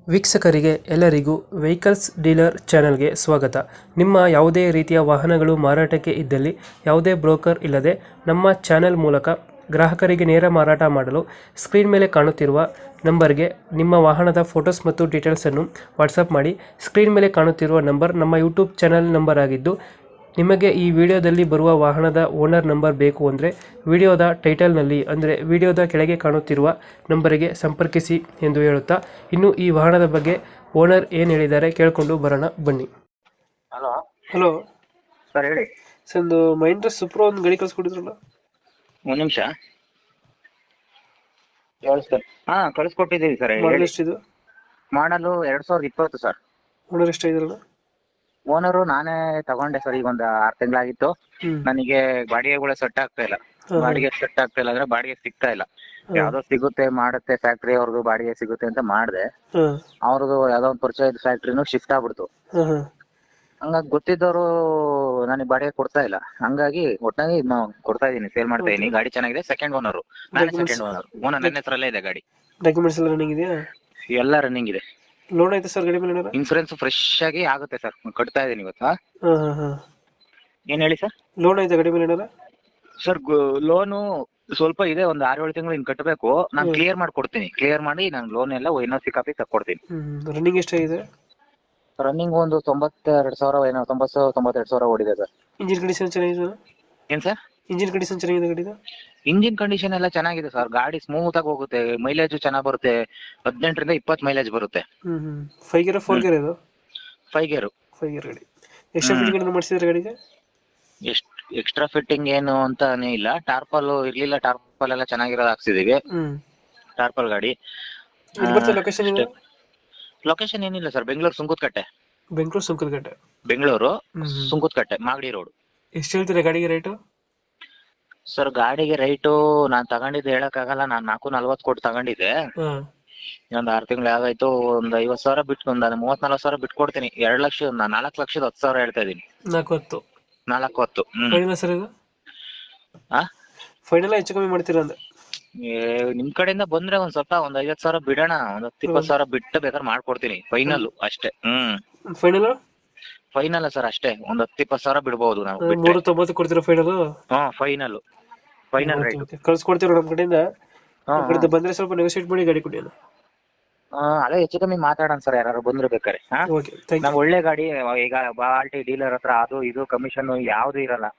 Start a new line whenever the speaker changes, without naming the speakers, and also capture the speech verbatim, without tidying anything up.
ವೀಕ್ಷಕರಿಗೆ ಎಲ್ಲರಿಗೂ vehicles dealer ಚಾನೆಲ್ಗೆ ಸ್ವಾಗತ. ನಿಮ್ಮ ಯಾವುದೇ ರೀತಿಯ ವಾಹನಗಳು ಮಾರಾಟಕ್ಕೆ ಇದ್ದಲ್ಲಿ ಯಾವುದೇ ಬ್ರೋಕರ್ ಇಲ್ಲದೆ ನಮ್ಮ ಚಾನೆಲ್ ಮೂಲಕ ಗ್ರಾಹಕರಿಗೆ ನೇರ ಮಾರಾಟ ಮಾಡಲು ಸ್ಕ್ರೀನ್ ಮೇಲೆ ಕಾಣುತ್ತಿರುವ ನಂಬರ್ಗೆ ನಿಮ್ಮ ವಾಹನದ ಫೋಟೋಸ್ ಮತ್ತು ಡೀಟೇಲ್ಸನ್ನು ವಾಟ್ಸಪ್ ಮಾಡಿ. ಸ್ಕ್ರೀನ್ ಮೇಲೆ ಕಾಣುತ್ತಿರುವ ನಂಬರ್ ನಮ್ಮ ಯೂಟ್ಯೂಬ್ ಚಾನೆಲ್ ನಂಬರ್ ಆಗಿದ್ದು, ನಿಮಗೆ ಈ ವಿಡಿಯೋದಲ್ಲಿ ಬರುವ ವಾಹನದ ಓನರ್ ನಂಬರ್ ಬೇಕು ಅಂದರೆ ವಿಡಿಯೋದ ಟೈಟಲ್ನಲ್ಲಿ ಅಂದರೆ ವಿಡಿಯೋದ ಕೆಳಗೆ ಕಾಣುತ್ತಿರುವ ನಂಬರಿಗೆ ಸಂಪರ್ಕಿಸಿ ಎಂದು ಹೇಳುತ್ತಾ, ಇನ್ನು ಈ ವಾಹನದ ಬಗ್ಗೆ ಓನರ್ ಏನು ಹೇಳಿದ್ದಾರೆ ಕೇಳಿಕೊಂಡು ಬರೋಣ ಬನ್ನಿ.
ಹಲೋ
ಹಲೋ
ಸರ್, ಹೇಳಿ.
ಸರ್, ಒಂದು ಮಹೇಂದ್ರ ಸುಪ್ರೋ ಒಂದು ಗಾಡಿ ಕಳಿಸ್ಕೊಟ್ಟಿದ್ರಲ್ಲ,
ಒಂದ್ ನಿಮಿಷ ಹೇಳಿ ಸರ್. ಹಾ, ಕಳಿಸ್ಕೊಟ್ಟಿದ್ದೀವಿ ಸರ್.
ಮಾಡಲ್
ಹೇಳಿ.
ಎಷ್ಟಿದು?
ಮಾಡಲು ಎರಡ್ ಸಾವಿರದ ಇಪ್ಪತ್ತು ಸರ್.
ಓನರ್ ಎಷ್ಟಾಗಿದ್ರಲ್ಲ?
ಓನರು ನಾನೇ ತಗೊಂಡೆ ಸರ್. ಈಗ ಒಂದು ಆರು ತಿಂಗಳಾಗಿತ್ತು.
ಹ್ಮ್
ನನಗೆ ಬಾಡಿಗೆಗಳು ಸೆಟ್ ಆಗ್ತಾ ಇಲ್ಲ.
ಹಾ.
ಬಾಡಿಗೆ ಸೆಟ್ ಆಗ್ತಾ ಇಲ್ಲ ಅಂದ್ರೆ ಬಾಡಿಗೆ ಸಿಗ್ತಾ ಇಲ್ಲ.
ಹಾ.
ಯಾವ್ದೋ ಸಿಗುತ್ತೆ ಮಾಡುತ್ತೆ, ಫ್ಯಾಕ್ಟ್ರಿ ಅವ್ರದ್ದು ಬಾಡಿಗೆ ಸಿಗುತ್ತೆ ಅಂತ ಮಾಡಿದೆ.
ಹಾಂ
ಅವ್ರದ್ದು ಯಾವ್ದೋ ಒಂದು ಪರಿಚಯ ಫ್ಯಾಕ್ಟ್ರಿನೂ ಶಿಫ್ಟ್ ಆಗ್ಬಿಡ್ತು.
ಹಾಂ ಹಾಂ
ಹಂಗಾಗಿ ಗೊತ್ತಿದ್ದವರು ನನಗೆ ಬಾಡಿಗೆ ಕೊಡ್ತಾ ಇಲ್ಲ. ಹಂಗಾಗಿ ಒಟ್ಟಾಗಿ ಇದ್ನ ಕೊಡ್ತಾ ಇದೀನಿ, ಸೇಲ್ ಮಾಡ್ತಾ ಇದೀನಿ. ಗಾಡಿ ಚೆನ್ನಾಗಿದೆ. ಸೆಕೆಂಡ್ ಓನರು ನಾನೇ.
Documents-
second owner. ಓನರ್ ನನ್ನ ಹೆಸರಲ್ಲೇ ಇದೆ ಗಾಡಿ.
ಡಾಕ್ಯುಮೆಂಟ್ಸ್ ಎಲ್ಲ ರನ್ನಿಂಗ್ ಇದೆಯಾ?
ಎಲ್ಲ ರನ್ನಿಂಗ್ ಇದೆ.
ಲೋನ್ ಆಯ್ತಾ ಸರ್ ಗಾಡಿ ಮೇಲೆ ಏನಾರ?
ಇನ್ಸೂರೆನ್ಸ್ ಫ್ರೆಶ್ ಆಗಿ ಆಗುತ್ತೆ ಸರ್. ಕಟ್ತಾ ಇದೀನಿ ಇವತ್ತು. ಹಾ?
ಹಾಂ ಹಾಂ ಹಾಂ
ಏನ್ ಹೇಳಿ ಸರ್?
ಲೋನ್ ಆಯ್ತಾ ಗಾಡಿ ಮೇಲೆ ಏನಾರ?
ಸರ್, ಲೋನು ಸ್ವಲ್ಪ ಇದೆ, ಒಂದು ಆರು ಏಳು ತಿಂಗಳು ಇನ್ ಕಟ್ಟಬೇಕು. ನಾನು
ಹ್ಮ್.
ಕ್ಲಿಯರ್ ಮಾಡ್ಕೊಡ್ತೀನಿ. ಕ್ಲಿಯರ್ ಮಾಡಿ ನಾನು ಲೋನ್ ಎಲ್ಲ ಎನ್ ಓ ಸಿ ಕಾಪಿ ತಕ್ಕೊಡ್ತೀನಿ.
ಹ್ಞೂ ರನ್ನಿಂಗ್ ಎಷ್ಟಾಗಿದೆ?
ರನ್ನಿಂಗ್ ಒಂದು ತೊಂಬತ್ತೆರಡು ಸಾವಿರ ಏನೋ, ತೊಂಬತ್ತು ತೊಂಬತ್ತೆರಡು ಸಾವಿರ ಓಡಿದೆ ಸರ್.
ಇಂಜಿನ್ ಕಂಡೀಷನ್ ಚೆನ್ನಾಗಿದೆ?
ಏನ್ ಸರ್?
ಇಂಜಿನ್ ಕಂಡೀಷನ್ ಚೆನ್ನಾಗಿದೆ ಗಾಡಿದು?
ಇಂಜಿನ್ ಕಂಡೀಷನ್ ಎಲ್ಲ ಚೆನ್ನಾಗಿದೆ ಸರ್. ಗಾಡಿ ಸ್ಮೂತ್ ಆಗಿ ಹೋಗುತ್ತೆ. ಮೈಲೇಜ್ ಚೆನ್ನಾಗಿ ಬರುತ್ತೆ. ಹದಿನೆಂಟರಿಂದ ಇಪ್ಪತ್ತು ಮೈಲೇಜ್ ಬರುತ್ತೆ.
ಹ್ಞೂ ಹ್ಞೂ ಫೈವ್ ಗೇರ್ ಫೋರ್ ಗೇರ್ ಇದು?
Five gear.
ಫೈವ್ ಗೇರ್ ಗಾಡಿ. ಎಕ್ಸ್ಟ್ರಾ
ಹ್ಮ್.
ಫಿಟ್ಟಿಂಗ್ ಮಾಡಿಸಿದ್ರೆ ಗಾಡಿಗೆ?
ಎಷ್ಟ್ ಎಕ್ಸ್ಟ್ರಾ ಫಿಟ್ಟಿಂಗ್ ಏನು ಅಂತಾನೆ ಇಲ್ಲ. ಟಾರ್ಪಲ್ ಇರ್ಲಿಲ್ಲ, ಟಾರ್ಪಲ್ ಎಲ್ಲ ಚೆನ್ನಾಗಿರೋದು ಹಾಕ್ಸಿದೀವಿ.
ಹ್ಞೂ
ಟಾರ್ಪಲ್ ಗಾಡಿ.
ಇಲ್ಲಿ ಬರ್ತದೆ ಲೊಕೇಶನ್ ಇದು?
ಲೊಕೇಶನ್ ಏನಿಲ್ಲ ಸರ್, ಬೆಂಗಳೂರು ಸುಂಕದಕಟ್ಟೆ.
ಬೆಂಗಳೂರು ಸುಂಕದಕಟ್ಟೆ.
ಬೆಂಗಳೂರು
ಹ್ಞೂ ಹ್ಞೂ
ಸುಂಕದಕಟ್ಟೆ, ಮಾಗಡಿ ರೋಡ್.
ಎಷ್ಟು ಹೇಳ್ತೀರಾ ಗಾಡಿಗೆ ರೇಟು?
ಸರ್, ಗಾಡಿಗೆ ರೈಟು ನಾನ್ ತಗೊಂಡಿದ್ದು ಹೇಳಕ್ಕಾಗಲ್ಲ. ನಾನ್ ನಾಲ್ಕು ನಲ್ವತ್ತು ಕೊಟ್ಟು ತಗೊಂಡಿದ್ದೆ.
ಹಾಂ
ಇನ್ನೊಂದು ಆರು ತಿಂಗಳು ಆಗಾಯ್ತು. ಒಂದ್ ಐವತ್ತು ಸಾವಿರ ಬಿಟ್ಟು ಒಂದು ಮೂವತ್ ನಲ್ವತ್ತು ಸಾವಿರ ಬಿಟ್ಟು ಕೊಡ್ತೀನಿ. ಎರಡು ಲಕ್ಷ ನಾಲ್ಕು ಲಕ್ಷದ ಹತ್ತು ಸಾವಿರ ಹೇಳ್ತಾ ಇದೀನಿ.
ನಾಲ್ಕು ಹತ್ತು
ನಾಲ್ಕು ಹತ್ತು. ಹ್ಮ್.
ಫೈನಲ್ ಸರ್ ಇದು?
ಆ
ಫೈನಲ್ ಹೆಚ್ಚು ಕಮ್ಮಿ ಮಾಡ್ತೀರಾ ಅಂದೆ?
ಏ, ನಿಮ್ ಕಡೆಯಿಂದ ಬಂದ್ರೆ ಒಂದ್ ಸ್ವಲ್ಪ ಒಂದ್ ಐವತ್ ಸಾವಿರ ಬಿಡೋಣ. ಒಂದ್ ಹತ್ತು ಇಪ್ಪತ್ತು ಸಾವಿರ ಬಿಟ್ಟು ಬೇಕಾದ್ರೆ ಮಾಡ್ಕೊಡ್ತೀನಿ. ಫೈನಲ್ ಅಷ್ಟೇ. ಹ್ಮ್
ಫೈನಲ್
ಫೈನಲ್ ಸರ್, ಅಷ್ಟೇ. ಒಂದ್ ಹತ್ತು ಇಪ್ಪತ್ತು ಸಾವಿರ ಬಿಡ್ಬೋದು ನಾವು ಬಿಟ್ರೆ.
ಮೂರು ತೊಂಬತ್ತು ಕೊಡ್ತೀರಾ ಫೈನಲ್?
ಹಾ, ಫೈನಲ್ ಫೈನಲ್ ರೇಟ್.
ಕಳ್ಸ್ಕೊಡ್ತೀರಾ ನಮ್ಮ ಕಡೆಯಿಂದ.
ಹಾ,
ನಮ್ಮ ಕಡೆಯಿಂದ ಬಂದ್ರೆ ಸ್ವಲ್ಪ ನೆಗೋಶಿಯೇಟ್ ಮಾಡಿ ಗಾಡಿ ಕೊಡಿ.
ಹಾ, ಅದೇ ಹೆಚ್ಚು ಕಮ್ಮಿ ಮಾತಾಡೋಣ ಸರ್, ಯಾರು ಬಂದ್ರೆ ಬೇಕಾರೆ. ಹಾ,
ಓಕೆ ಥ್ಯಾಂಕ್ ಯು.
ನಾವ್ ಒಳ್ಳೆ ಗಾಡಿ. ಈಗ ಬಾಲ್ಟಿ ಡೀಲರ್ ಹತ್ರ ಅದು ಇದು ಕಮಿಷನ್ ಯಾವ್ದು ಇರಲ್ಲ.